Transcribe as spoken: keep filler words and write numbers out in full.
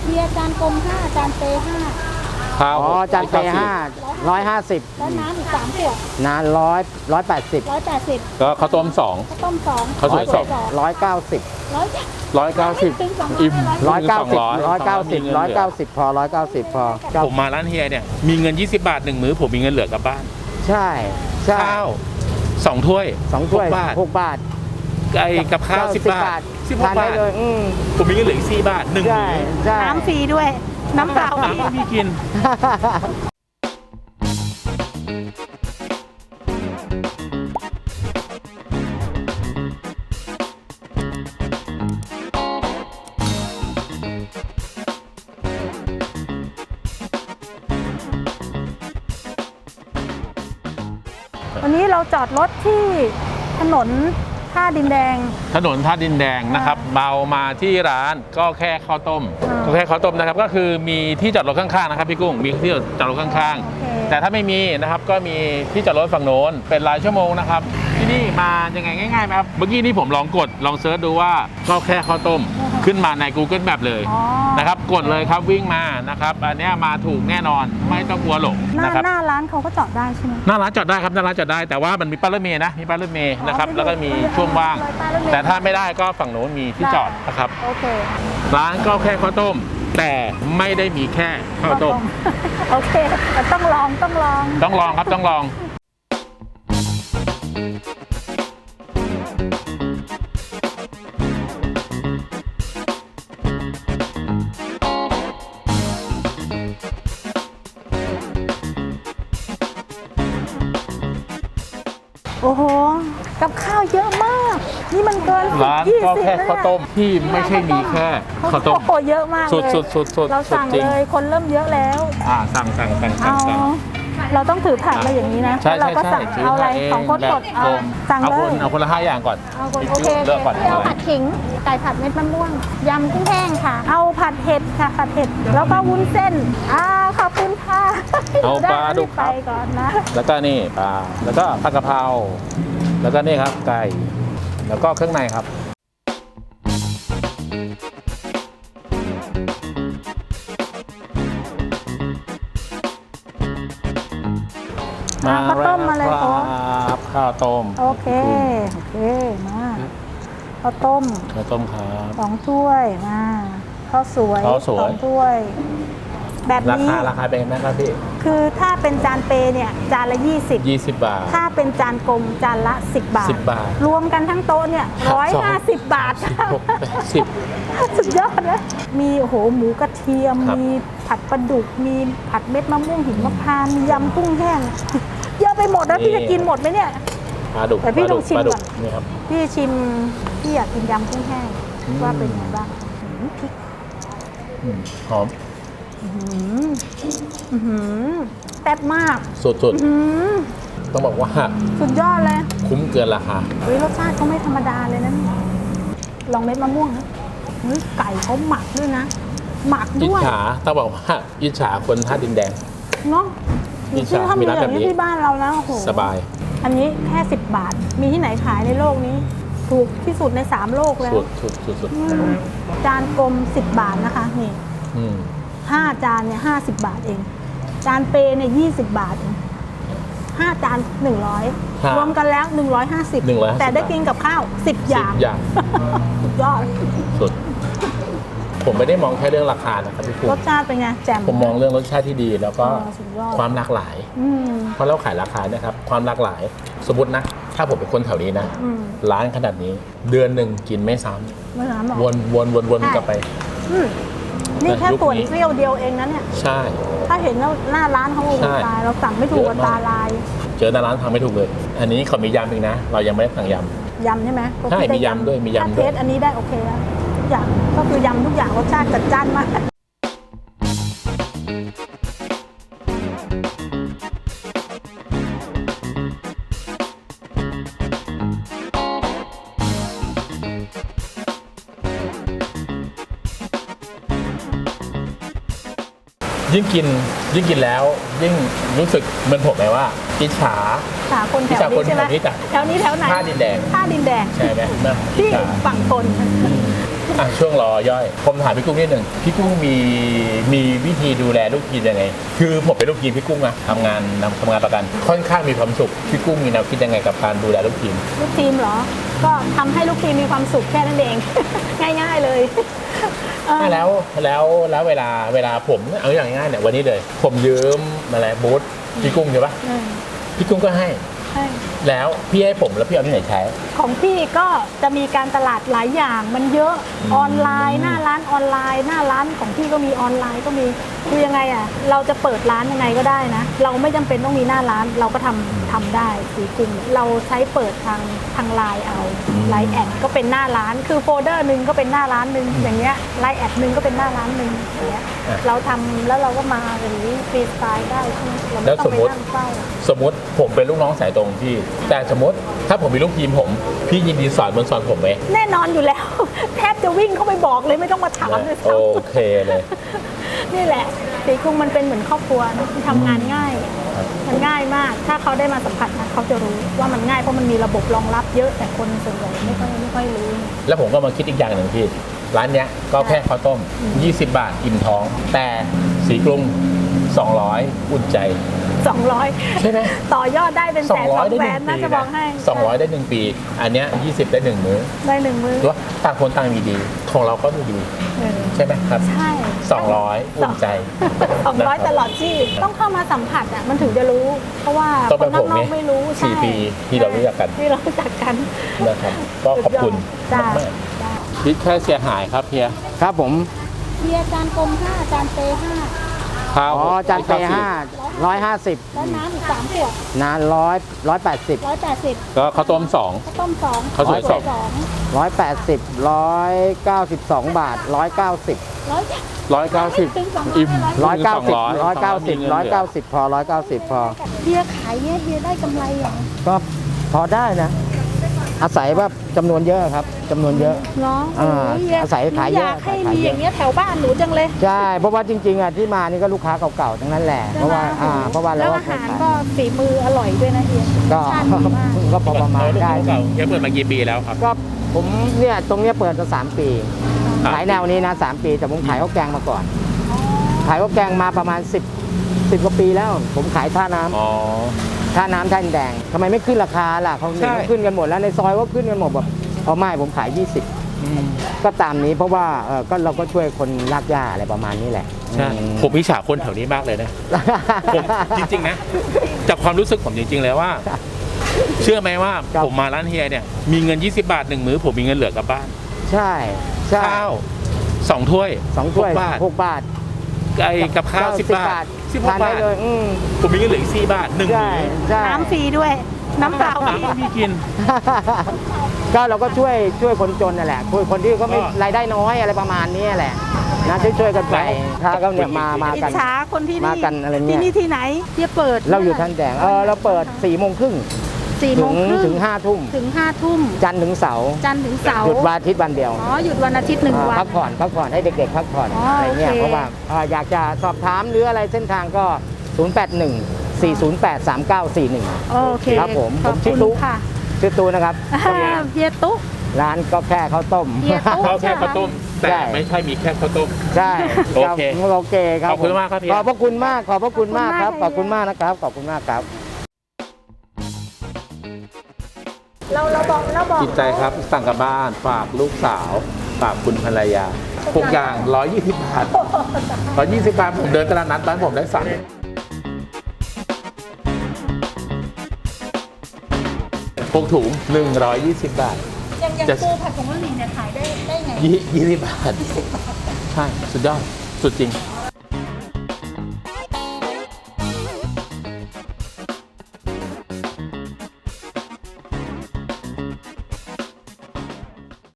เบียร์จานกลมห้าจานเปห้าข้าวอ๋อจานเปห้าร้อยห้าสิบแล้วน้ำอีกสามขวดน้ำร้อยร้อยแปดสิบร้อยแปดสิบก็ข้าวต้มสองข้าวต้มสองข้าวสวยสองร้อยเก้าสิบร้อยร้อยเก้าสิบอิ่มร้อยเก้าสิบร้อยเก้าสิบร้อยเก้าสิบพอร้อยเก้าสิบพอผมมาร้านเฮียเนี่ยมีเงินยี่สิบบาทหนึ่งมื้อผมมีเงินเหลือกลับบ้านใช่ใช่ข้าวสองถ้วยสองถ้วยหกบาทหกบาทไก่กับข้าวสิบบาทสิบหกทานได้บาทเลยอืมผมมีเงินเหลืออีกสี่บาทหนึ่งใช่มื้อใช่น้ำฟรีด้วยน้ำเปล่าน้ำก็มีกินวันนี้เราจอดรถที่ถนนท่าดินแดงถนนท่าดินแดงนะครับเบามาที่ร้านก็แค่ข้าวต้มอ่าก็แค่ข้าวต้มนะครับก็คือมีที่จอดรถข้างๆนะครับพี่กุ้งมีที่จอดรถข้างโอเคๆแต่ถ้าไม่มีนะครับก็มีที่จอดรถฝั่งโน้นเป็นรายชั่วโมงนะครับที่นี่มายังไงง่ายๆไหมครับเมื่อกี้นี่ผมลองกดลองเซิร์ชดูว่าก็แค่ข้าวต้มขึ้นมาใน Google Map เลยอ๋อนะครับกดเลยครับวิ่งมานะครับอันเนี้ยมาถูกแน่นอนไม่ต้องกลัวหลงหน้านะครับหน้าร้านเขาก็จอดได้ใช่ไหมหน้าร้านจอดได้ครับหน้าร้านจอดได้แต่ว่ามันมีป้ายรถเมล์นะมีป้ายรถเมล์นะครับแล้วก็มีช่วงว่าง แต่ถ้าไม่ได้ก็ฝั่งโน้นมีที่จอดนะครับโอเคร้านก็แค่ข้าวต้ม แต่ไม่ได้มีแค่ข้าวต้มโอเคแต่ต้องลองต้องลองต้องลองครับต้องลองโอ้โหกับข้าวเยอะมาก นี่มันเกินร้านก็แค่ข้าวต้มที่ไม่ใช่มีแค่ข้าวต้มโอ้โหเยอะมากเลยสุดสุดสุดสุดเราสั่งจริงเลยคนเริ่มเยอะแล้วอ่าสั่งสั่งสั่งสั่เอางสั่งเราต้องถือถาดมาอย่างนี้นะใช่แล้วเราใช่ก็ใช่สั่งเอาอะไรสองคนกดเอาสั่งเอาเลคนยเอาคนละห้าอย่างก่อนเอาคนพี่โอเคเลือกก่อนเอาผัดขิงไก่ผัดเม็ดมะม่วงยำกุ้งแห้งค่ะ เอาผัดเห็ดค่ะผัดเห็ดแล้วก็วุ้นเส้นอ่าขอบคุณค่ะเอาปลาดุกคไปรับก่อนนะแล้วก็นี่ปลาแล้วก็ผัดกะเพราแล้วก็นี่ครับไก่แล้วก็เครื่องในครับมาข้าวต้มมาเลยคโค้รับข้าวต้มโอเค โอเค มาข้าวต้มข้าวต้มครับสองถ้วยมาข้าวสวยข้าวสวยสองถ้วย แบบรานี้คาราคาเป็นไงครับพี่คือถ้าเป็นจานเปเนี่ยจานละยี่สิบยี่สิบบาทถ้าเป็นจานกลมจานละสิบบาทสิบบาทรวมกันทั้งโต๊ะเนี่ยครับร้อยสองห้าสิบบาทหกแปดสิบสุดยอดนะมีโอ้โหหมูกระเทียมครับมีผัดปลาดุก มีผัดเม็ดมะม่วงหิมพานต์มียำกุ้งแห้ง เยอะไปหมดแล้วนี่พี่จะกินหมดไหมเนี่ยปลาดุกแต่พี่ปลาดุต้องชิมปลาดุก่อนนี่ครับพี่ชิมพี่อยากกินยำกุ้งแห้งอืมว่าเป็นไงบ้างอื้อพริกอืมหอมอื้อหืออื้อหือแซ่บมากสุดอื้อหือๆต้องบอกว่าสุดยอดเลยคุ้มเกินราคาเฮ้ยรสชาติเขาไม่ธรรมดาเลยนะเนี่ยลองเม็ดมะม่วงนะเฮ้ยไก่เขาหมักด้วยนะ หมักอิจด้วยฉาต้องบอกว่าอิจฉาคนท่าดินแดงเนาะอิจฉาถ้ามีมีร้านอย่างนี้แบบนี้ที่บ้านเรานะโอ้โหสบายอันนี้แค่สิบบาท มีที่ไหนขายในโลกนี้ ถูกที่สุดในสามโลกแล้วสุดสุดสุดสุดอืมจานกลมสิบบาทนะคะนี่อืมห้าจานเนี่ยห้าสิบบาทเอง จานเปเนี่ยยี่สิบบาทเองห้าจานหนึ่งร้อยรวมกันแล้วหนึ่งร้อยห้าสิบหนึ่งร้อยห้าสิบแต่ได้กินกับข้าวสิบอย่างอย่างสุดยอดสุด ผมไม่ได้มองแค่เรื่องราคานะครับพี่คุณรสชาติเป็นไงแจ่มผมมองเรื่องรสชาติที่ดี แล้วก็อ๋อสุดยอดความหลากหลายอืมเพราะเราขายราคาเนะครับ ความหลากหลาย สมมตินะ ถ้าผมเป็นคนแถวนี้นะอืมร้านขนาดนี้ เดือนหนึ่งกินไม่ซ้ไม่น้ำหรอกำวนวนวนวนใช่กลับไปอืมนี่แค่ยุคนี้ส่วนเกลี้ยวเดียวเองนะเนี่ยใช่ถ้าเห็นแล้วหน้าร้านเขาโอ้โหใช่ตายเราสั่งไม่ถูกเยกับอะมากตาลายเจอหน้าร้านทำไม่ถูกเลย อันนี้เขามียำอีกนะ เรายังไม่ได้สั่งยยำใช่ไหมใช่ก็คือมียำด้วยมียำด้วยถ้าเทสอันนี้ได้โอเคแล้วทุกอย่างก็คือยำทุกอย่างรสชาติจัดจ้านมากำยิ่งกินยิ่งกินแล้ว ยิ่งรู้สึกเหมือนผมไหมว่าอิจฉาหาคนแถวอิจฉาคนี้นใช่ไหมแถวนี้จ้ะแถวนี้แถวไหนท่าดินแดงท่าดินแดงใช่ไหมนะที่อิจฉาฝั่งทนอ่ะช่วงรอย่อยผมถามพี่กุ้งนิดหนึ่งพี่กุ้งมีมีวิธีดูแลลูกทีมยังไง คือผมเป็นลูกทีมพี่กุ้งนะทำงานทำงานประกัน ค่อนข้างมีความสุขพี่กุ้งมีแนวคิดยังไงกับการดูแลลูกทีมลูกทีมเหรอ ก็ทำให้ลูกทีมมีความสุขแค่นั้นเอง ง่ายๆเลยเออแล้วแล้วแล้วเวลาเวลาผมเอาอย่างง่ายๆเนี่ยวันนี้เลย ผมยืมอะไรบูธพี่กุ้งใช่ปะเออพี่กุ้งก็ให้ใช่แล้วพี่ให้ผมแล้วพี่เอาที่ไหนใช้ของพี่ก็จะมีการตลาดหลายอย่างมันเยอะออนไลน์หน้าร้านออนไลน์ หน้าร้านของพี่ก็มีออนไลน์ก็มีคือยังไงอ่ะเราจะเปิดร้านยังไงก็ได้นะ เราไม่จำเป็นต้องมีหน้าร้านเราก็ทำทำได้สีกรุงเราใช้เปิดทางทางไลน์เอาไลน์แอดก็เป็นหน้าร้านคือโฟลเดอร์หนึ่งก็เป็นหน้าร้านหนึ่งอย่างเงี้ยไลน์แอดหนึ่งก็เป็นหน้าร้านหนึ่งอย่างเงี้ยอ่ะเราทำแล้วเราก็มาอย่างนี้ฟรีสไตล์ได้ใช่ไหมเราแล้ไม่วต้องสมไปมุตินั่งเฝ้าสมมติผมเป็นลูกน้องสายตรงพี่ แต่สมมติถ้าผมมีลูกทีมผม พี่ยินดีสอนเหมือนสอนผมไหมแน่นอนอยู่แล้ว แทบจะวิ่งเข้าไปบอกเลยไม่ต้องมาถามเลยโอเคเลยนี่แหละสีกรุงมันเป็นเหมือนครอบครัวนะทำงานง่าย มันง่ายมาก ถ้าเขาได้มาสัมผัสนะเขาจะรู้ว่ามันง่ายเพราะมันมีระบบรองรับเยอะแต่คนส่วนใหญ่ไม่ค่อยไม่ค่อยรู้แล้วผมก็มาคิดอีกอย่างหนึ่งพี่ ร้านเนี้ยก็แค่ข้าวต้ม ยี่สิบบาทอิ่มท้อง แต่สีกรุง สองร้อย อุ่นใจสองร้อยใช่ไหมต่อยอดได้เป็นแสนสองได้แสหนนึ่งนะปีจะบอกให้สองร้อยได้หนึ่งปี อันเนี้ยยี่สิบได้หนึ่งมื้อได้หนึ่งมือตัวต่างคนต่างมีดี ของเราก็มีดีเออใช่ไหมครับใช่สองร้อยอุ่นใจสองร้อยตลอดชีพต้องเข้ามาสัมผัสอ่ะมันถึงจะรู้ เพราะว่าต้องคเป็นนผมนเนี่อย กๆไม่รู้สี่ใช่ปีที่เรารู้จักกันที่เรารู้จักกันนะครับ ก็ขอบคุณจ้ามากๆคิดแค่เสียหายครับเพียครับผมเบียร์จานกลมห้าจานเปห้าข้าวอ๋อจานเปห้าร้อยห้าสิบแล้วน้ำอีกสามขวดนานร้อยร้อยแปดสิบร้อยแปดสิบก็ข้าวต้มสองข้าวต้มสองข้าวสวยสองสองร้อยแปดสิบร้อยเก้าสิบสองบาทร้อยเก้าสิบร้อยร้อยเก้าสิบอิ่มร้อยเก้าสิบสองร้อยเก้าสิบร้อยเก้าสิบพอร้อยเก้าสิบพอเบียร์ขายเนี่ยเบียร์ได้กำไรเหรอก็พอได้นะ อาศัยว่าจำนวนเยอะครับจำนวนเยอะเนาะอ่าอาศัยขายเยอะอยากให้ขายมีเยอะอย่างเงี้ยแถวบ้านหนูจังเลยใช่เพราะว่าจริงๆอ่ะที่มานี่ก็ลูกค้าเก่าๆทั้งนั้นแหละ เพราะว่าอ่าเพราะว่าแล้วเราอาหารก็ฝีมืออร่อยด้วยนะเฮียก็ชาติดีมากก็พอประมาณได้เก่าเฮียเปิดมากี่ปีแล้วครับก็ผมเนี่ยตรงเนี้ยเปิดมาสามปีอ่ะขายแนวนี้นะสามปี แต่ผมขายข้าวแกงมาก่อน ขายข้าวแกงมาประมาณสิบ สิบกว่าปีแล้ว ผมขายท่าน้ำอ๋อท่าน้ำท่าดินแดงทำไมไม่ขึ้นราคาล่ะเขาใช่ขึ้นกันหมดแล้วในซอยก็ขึ้นกันหมดแบบเอาไม่ผมขายยี่สิบก็ตามนี้เพราะว่าเออก็เราก็ช่วยคนลากหญ้าอะไรประมาณนี้แหละใช่อืมผมพิจฉาคนแถวนี้มากเลยนะ ผมจริงๆนะ จากความรู้สึกผมจริงๆเลยว่า เชื่อไหมว่าครับผมมาร้านเฮียเนี่ย มีเงิน ยี่สิบบาทหนึ่งมื้อ ผมมีเงินเหลือกลับบ้านใช่ใช่ข้าวสองถ้วยสองถ้วยหกบาทหกบาทไก่กับข้าวสิบบาทสิบหกทานได้บาทเลยอืมผมมีเงินเหลืออีกสี่บาทหนึ่งใช่มื้อใช่น้ำฟรีด้วย น้ำเปล่าฟรีพี่กินก็เราก็ช่วยช่วยคนจนนั่นแหละช่วยคนที่เขาไม่ก็รายได้น้อยอะไรประมาณนี้แหละนะช่วยช่วยๆกันไปถ้าก็เนี่ยมามาอิกัจนฉาคนที่มานี่กันอะไรเนี่ยที่นี่ที่ไหนเฮียเปิดเราอยู่ท่านแดงเออเราเปิดสี่โมงครึ่งสี่ถึโมงงครึ่งถึงห้าทุ่มถึงห้าทุ่มจันทร์ถึงเสาร์จันทร์ถึงเสาร์หยุดวันอาทิตย์วันเดียวอ๋อหยุดวันอาทิตย์หนึ่งวันพักผ่อนพักผ่อนให้เด็กๆพักผ่อนอ๋อออะไรเงี้ยโอเคเพราะว่าเอ่ออยากจะสอบถามหรืออะไรเส้นทางก็ ศูนย์ แปด หนึ่ง สี่ ศูนย์ แปด สาม เก้า สี่ หนึ่งโอเคครับผมขอบผมชื่คุอณตุ๊ค่ะชื่อตูนะครับเฮียตุ๊ร้านก็แค่ข้าวต้มเฮียตุ๊ข้าวแค่ข้าวต้ม แต่ใช่ไม่ใช่มีแค่ข้าวต้มใช่โอเครับโอเคครับขอบคุณมากครับพี่ขอบพระคุณมากขอบพระคุณมากครับขขออบบคุคุณณมามาก กนะครับขอบคุณมากครับเราเราบอกเราบอกจิตใจครับสั่งกลับบ้านฝากลูกสาวฝากคุณภรรยาทุกอย่างร้อยยี่สิบบาทร้อยยี่สิบบาทผมเดินตลาดนัดบ้านผมได้สั่งพวกถุงหนึ่งร้อยยี่สิบบาทยังยังจะปูผัดผงกะหรี่เนี่ยขายได้ได้ไงยี่ยี่สิบบาท ใช่ สุดยอด สุดจริง